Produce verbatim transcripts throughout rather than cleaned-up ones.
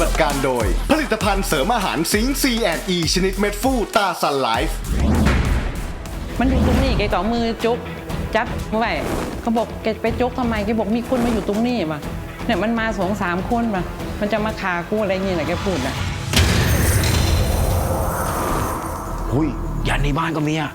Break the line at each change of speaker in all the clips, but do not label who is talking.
บัติการโดยผลิตภัณฑ์เสริมอาหารซิงค์ ซี แอนด์ อี ชนิดเม็ดฟูตาซันไลฟ์
มันอยู่ตรงนี้แกก็มือจุกจับเมื่อไหร่เขาบอกแกไปจุกทำไมแกบอกมีคนมาอยู่ตรงนี้มาเนี่ยมันมาสองสามคนมามันจะมาฆ่ากูอะไรเงี้ยแหละแกพูดนะ
หุยยันในบ้านก็มีอ่ะ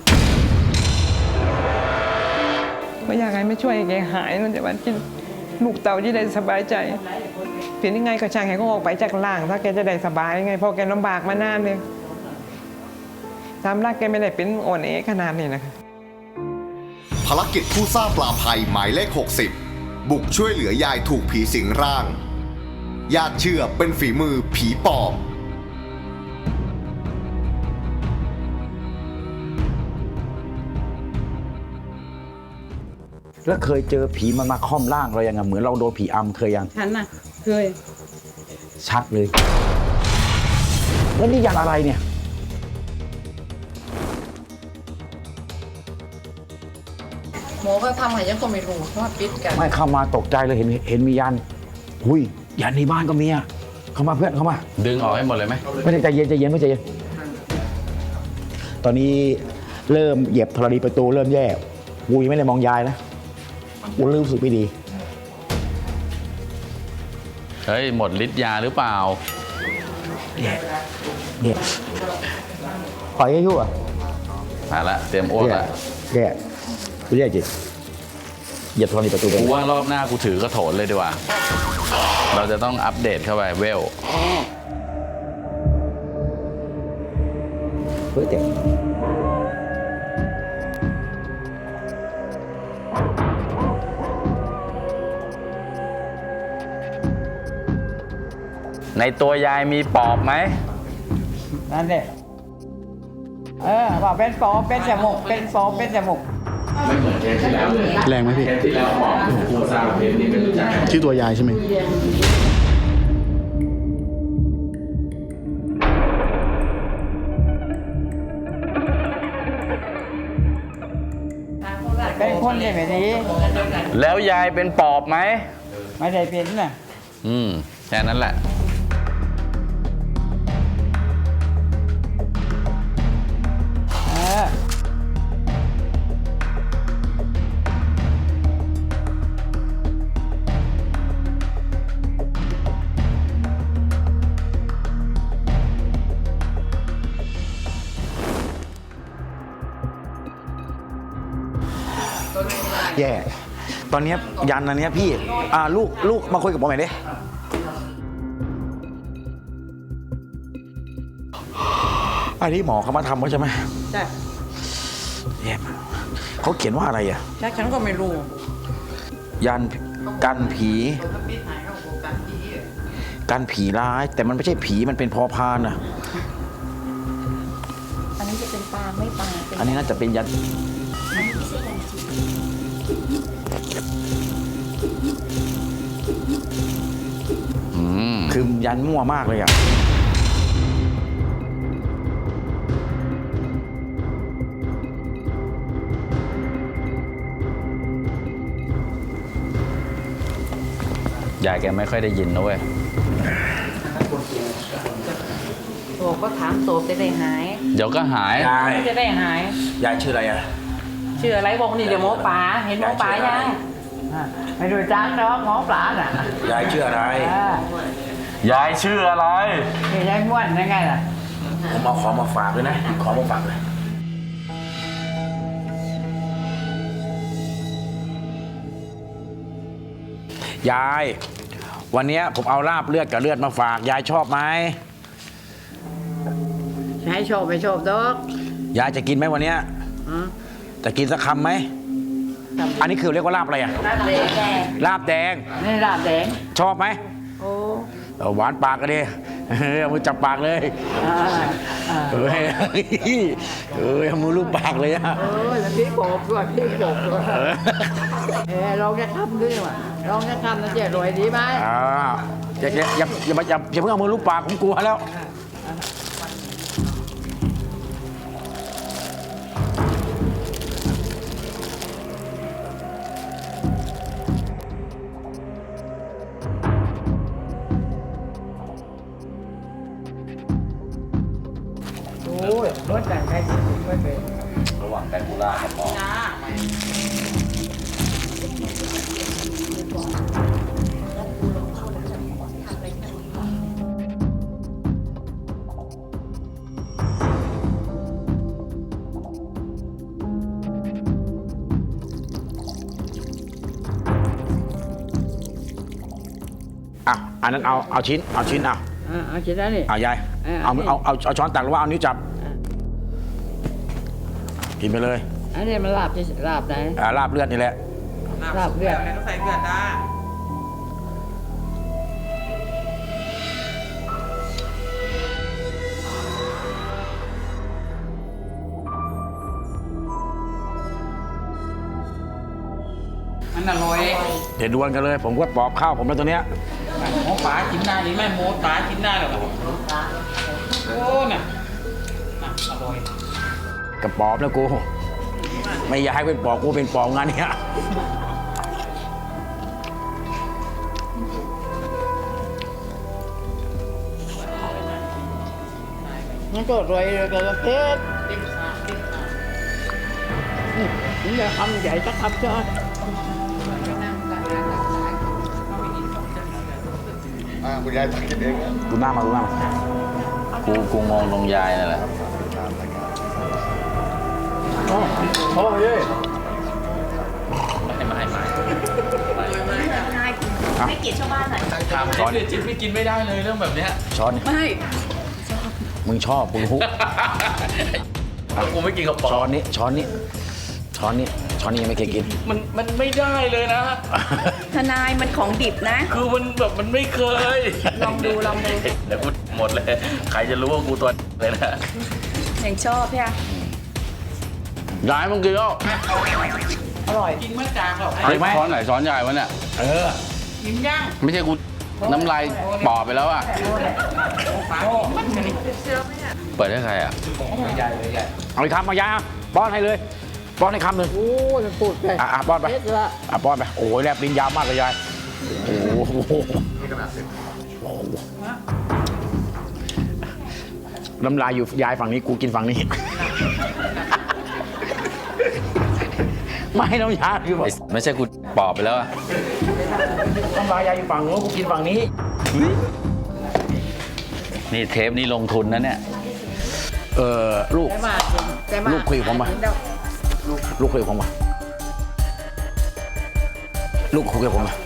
ก็อยากให้ไม่ช่วยแกหายมันจะวันกินลูกเต่าที่ได้สบายใจเปลี่ยนยังไงก็ช่างให้เขาออกไปจากล่างถ้าแกจะได้สบายไงเพราะแกลำบากมานานเลยตามรักแกไม่ได้เป็นอ่อนแอขนาดนี้นะคะ
ภารกิจผู้สร้างปลาภัยหมายเลขหกสิบบุกช่วยเหลือยายถูกผีสิงร่างญาติเชื่อเป็นฝีมือผีปอบ
แล้วเคยเจอผีมันมาค่อมร่างเรายังไงเหมือนเราโดนผีอำเคยยัง
ฉันน่ะเคย
ชัดเลยแล้วนี่ยันอะไรเนี่ย
หมอก็ทำให้ยังก็ไม่รู้เพราะว่าปิดกัน
ไม่เข้ามาตกใจเลยเห็นเห็นมียันหุยยันในบ้านก็มีอ่ะเข้ามาเพื่อนเข้ามา
ดึงออกให้หมดเลยไหม
ไม่ได้ใจเย็นใจเย็นไม่ใจเย็นตอนนี้เริ่มเหยียบธรณีประตูเริ่มแย่กูยังไม่ได้มองยายนะกูรู้สึกไม่ดี
เฮ้ยหมดฤทธิ์ยาหรือเปล่า
เนี่ยเนี่ยปล่อยให้ยั่ว
มาละเตรียมอ้วกละ
เนี่ยกูแย่จริงเหยียบธรณีประตูไป
กูว่ารอบหน้ากูถือกระโถนเลยดีกว่าเราจะต้องอัปเดตเข้าไปเวล
เฮ้ยเต็ม
ในตัวยายมีปอบไหม
นั่นเด็เออบอกเป็นปอบเป็นจมูกเป็นปอบเป็นจมูก
ไม่เหมือนเคสที่แล้วแรงไหมพี่เคสที่แล้วปอบกูทราบเคสนี้เป็นรู้จักชื่อตัวยายใช่ไหม
เป็นคนใช่ไหมนี้
แล้วยายเป็นปอบไหม
ไม่ได้เป็นน่ะ
อืมแค่นั้นแหละ
แย่ตอนนี้ยันอันนี้พี่อ่าลูกลูกมาคุยกับผมหน่อยดิอันนี้หมอเขามาทำเขาใช่ไหม
ใช่
แย่เขาเขียนว่าอะไรอ่ะ
แล้วฉันก็ไม่รู้
ยันกันผีกันผีร้ายแต่มันไม่ใช่ผีมันเป็นพอพานอ่ะ
อันนี้จะเป็นปลาไม่ปลา
อันนี้น่าจะเป็นยันคือยันมั่วมากเลยอ่ะ
ยายแกไม่ค่อยได้ยินนะเว้ย
โอ้ก็ถามโตจะได้หาย
เดี๋ยวก็หาย
ยาย
จะได้หาย
ยายชื่ออะไรอ่ะ
ชื่ออะไรบอกนี่เดี๋ยวหมอปลาเห็นหมอปลายังไม่ดูจังเนาะหมอปลาน่ะ
ยายชื่ออะไร
ยายชื่ออะไร
ยายม้วนยังไงล่ะ
ผมเอาของมาฝากเลยนะของมาฝากเลยยายวันนี้ผมเอาลาบเลือดกับเลือดมาฝากยายชอบไหม
ยายชอบไม่ชอบดอก
ยายจะกินไหมวันนี้จะกินสักคำไหมอันนี้คือเรียกว่าลาบอะไรอ่ะ
ลาบแดง
ลาบแดง
นี่ลาบแดง
ชอบไหม
โอ้
หวานปากกันดิเอามือจับปากเลยเฮ้ยเฮ้ยเอามือลูบปากเลยอ่ะ
เออแล้วพี่บอกด้วยพี่บอกด้วยเออลองจะทำด้วยว่ะลองจะทำนะเจ๊รวยดีไหม
อ่าอย่าอย่าอย่าอย่าอย่าอย่าเพิ่งเอามือลูบปากผมกลัวแล้ว
รถจากใครไม่เป็น
ระหว่างไกปูล่ากับหมอ
อ่ะอันนั้นเอาเอาชิ้นเอาชิ้นเอา
อ่าเอาชิ้นนั้นนี่
เอายาย
เออ
เอา
เอา
เอาเอาเอาช้อนตักหรือว่าเอานิ้วจับ กินไปเลย
อันนี้มันลาบที่ลาบไหน
อ่าลาบเลือดนี่แหละ
ลาบเลือด
ต้องใส่เกลือจ้า มันอร่อย
เดี๋ยวดวลกันเลย ผมก็ปอบข้าวผมแล้วตัวเนี้ย
หมูป่ากินได้หรือไม่หมูป่ากินได้หรอโอ้น่ะน่ะอร่อย
กับปอบแล้วกู ไม่อยากให้เป็นปอบกูเป็นปอบงานเนี้ย
มันก็อร่อยเลยกับเพชรนี่จะทำใหญ่สักคำเจ้า
อ่าคุณยายตักกินเองนะ
ดูหน้ามาดูหน้ามา
กูกูงงลงยายนั่นแหละ
โอ้ย
ไม่ไม่ไม่
ให้เกียรติชาวบ้านหน่อย
ทำช้อนจิ๊บไม่กินไม่ได้เลยเรื่องแบบเนี้ย
ช้อนนี่
ไม่
มึงชอบมึงฮุ
กูไม่กินกับปอ
ช้อนนี้ช้อนนี้ช้อนนี้ช้อนนี้ยังไม่เคยกิน
มันมันไม่ได้เลยนะ
ทนายมันของดิบนะ
คือมันแบบมันไม่เคย
ลองดูลองดู
เดี๋ยวกูหมดเลย ใครจะรู้ว่ากูตัวเลยนะ
ยังชอบใช่ไหม
ยายมึงกินแล้ว
กินเมื่อจางหรอก
เอาอีกไหม
ช้อนไหนช้อนใหญ่วะเนี่ย
เออ
กินย่าง
ไม่ใช่กูน้ำลายปอบไปแล้วอ่ะ
ป่ามันกันนี่
เปิดให้ใครอ่ะ
เอาอีกคำมายาป้อนให้เลย ป้อนให้คำหนึ่ง
โอ้ยมันพูดไป
อ่ะอ่ะป้อนไป
เพชรละ
อ่ะป้อนไปโอ้ยแลบลิ้นยาวมากเลยยายโอ้โหน้ำลายอยู่ยายฝั่งนี้กูกินฝั่งนี้ ไม่น้ำยาคือแบบ
ไม่ใช่กูปอบไปแล้วอ่ะ
น้ำลายยายอยู่ฝั่งนู้นกูกินฝั่งนี้
นี่เทปนี้ลงทุนนะเนี่ย
เออลูก
แต่มาแต่มา
ลูกคุยกับผมมา ลูกคุยกับผมมาลูกคุยกับผมมา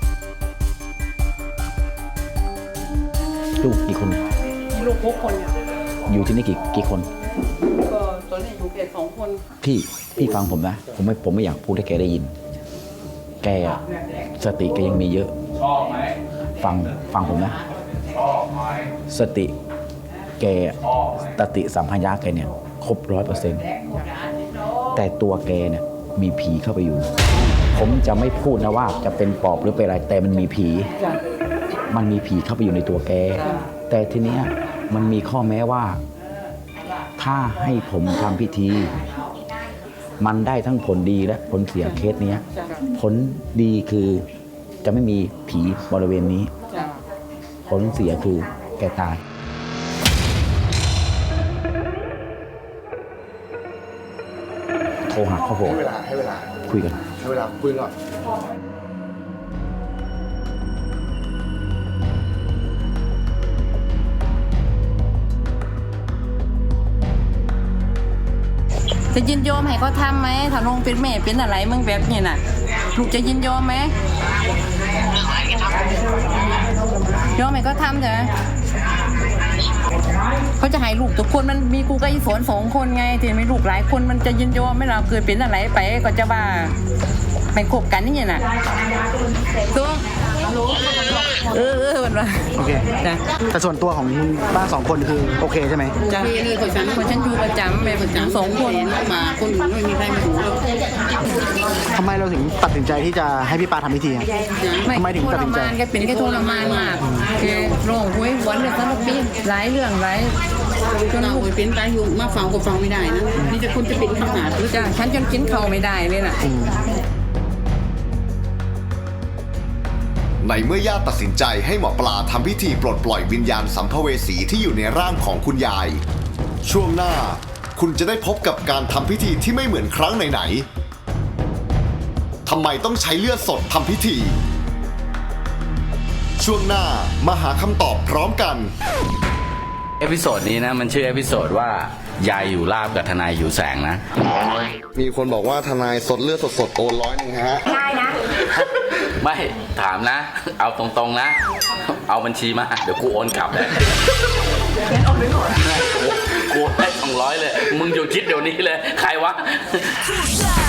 ลูกกี่คน
ลูกหกคนเนี่ย
อยู่ที่นี่กี่กี่คน
ก็ตอนนี้อยู่เพียงสองคน
พี่พี่ฟังผมนะ ผมไม่ผมไม่อยากพูดให้แกได้ยิน แกอะสติแกยังมีเยอะ ฟังฟังผมนะ สติแกสติสัมพัญญาแกเนี่ยครบร้อยเปอร์เซ็นต์แต่ตัวแกเนี่ยมีผีเข้าไปอยู่ ผมจะไม่พูดนะว่าจะเป็นปอบหรือเป็นอะไร แต่มันมีผี มันมีผีเข้าไปอยู่ในตัวแก แต่ทีเนี้ยมันมีข้อแม้ว่า ถ้าให้ผมทำพิธี มันได้ทั้งผลดีและผลเสียเคสเนี้ย ผลดีคือจะไม่มีผีบริเวณนี้ ผลเสียคือแกตาย โทรหาครอบครัว
ให้เวลาให้เวลา
คุยกัน
ให้เวลาคุยก่อน
จะยินยอมให้เขาทำไหมถ้าลงเป็นแม่เป็นอะไรมึงแบบนี้น่ะ ลูกจะยินยอมไหมยอมให้เขาทำใช่ไหมเขาจะให้ลูกทุกคนมันมีกูกับอีฝนสองคนไงที่มีลูกหลายคนมันจะยินยอมไหมเราเกิดเป็นอะไรไปก็จะว่าไปคบกันนี่น่ะตัวเออเออมันว่า
โอเค
จ้ะ
แต่ส่วนตัวของบ้านสองคนคือโอเคใช่ไหม
จ้ะคนฉันคนฉันอยู่ประจำไปประจำสองคนมาคนอื่นไม่มีใครมาดูหรอก
ทำไมเราถึงตัดสินใจที่จะให้พี่ปาทำพิธีอะ ทำไมถึงตัดสินใจ
ทรมานแกเป็นแค่ทรมานมากแกร้องห้วยหวนเลยสารพัดหลายเรื่องหลายจน
เรา
ลูก
ไปเป็นตายอยู่มาฟังก็ฟังไม่ได้นะนี่จะคุณจะเป็นขนาดหรือ
จ้ะฉันจนกินข้าวไม่ได้เลยน่ะ
ในเมื่อญาติตัดสินใจให้หมอปลาทำพิธีปลดปล่อยวิญญาณสัมภเวสีที่อยู่ในร่างของคุณยาย ช่วงหน้าคุณจะได้พบกับการทำพิธีที่ไม่เหมือนครั้งไหนๆทำไมต้องใช้เลือดสดทำพิธี ช่วงหน้ามาหาคำตอบพร้อมกัน
เอพิโซดนี้นะมันชื่อเอพิโซดว่ายายอยู่ลาบกับทนายอยู่แสงนะ
มีคนบอกว่าทนายสดเลือดสดๆโอนร้อยหนึ่งฮะ
ได้นะ
ไม่ถามนะ เอาตรงๆนะ เอาบัญชีมา เดี๋ยวกูโอนกลับเลยกูให้สองร้อยเลย มึงอยู่คิดเดี๋ยวนี้เลย ใครวะ